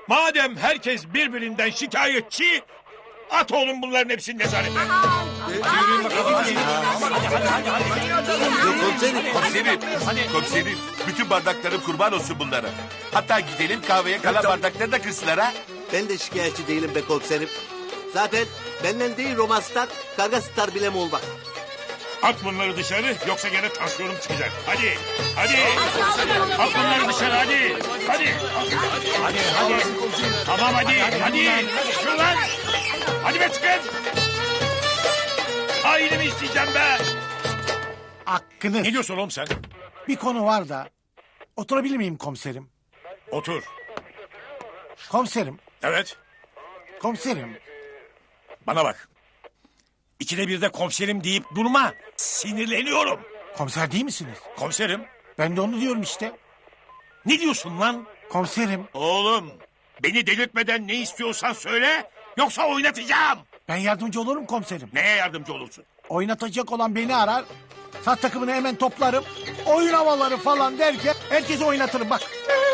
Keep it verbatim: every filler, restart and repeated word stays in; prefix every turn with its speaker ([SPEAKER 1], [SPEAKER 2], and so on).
[SPEAKER 1] Madem herkes birbirinden şikayetçi, at oğlum bunların hepsini nezarete.
[SPEAKER 2] Komiserim, komiserim, komiserim. Bütün bardaklarım kurban olsun bunlara. Hatta gidelim kahveye kalan bardakları da kırsınlar ha.
[SPEAKER 3] Ben de şikayetçi değilim be komiserim. Zaten benden değil Roma Star, Karga Star bile mi olmak?
[SPEAKER 1] At bunları dışarı yoksa gene tansiyonum çıkacak. Hadi, hadi. At bunları dışarı hadi. Hadi. Hadi, hadi. Tamam hadi, hadi. Çıkın lan. Hadi be çıkın. Hainimi isteyeceğim be.
[SPEAKER 4] Hakkınız.
[SPEAKER 1] Ne diyorsun oğlum sen?
[SPEAKER 4] Bir konu var da. Oturabilir miyim komiserim?
[SPEAKER 1] Otur.
[SPEAKER 4] Komiserim,
[SPEAKER 1] Evet.
[SPEAKER 4] komiserim.
[SPEAKER 1] Bana bak. İkide bir de komiserim deyip durma. Sinirleniyorum.
[SPEAKER 4] Komiser değil misiniz?
[SPEAKER 1] Komiserim.
[SPEAKER 4] Ben de onu diyorum işte.
[SPEAKER 1] Ne diyorsun lan?
[SPEAKER 4] Komiserim,
[SPEAKER 1] Oğlum. Beni delirtmeden ne istiyorsan söyle. Yoksa oynatacağım.
[SPEAKER 4] ben yardımcı olurum komiserim.
[SPEAKER 1] Neye yardımcı olursun?
[SPEAKER 4] Oynatacak olan beni arar. Sat takımını hemen toplarım. Oyun havaları falan derken herkesi oynatırım bak.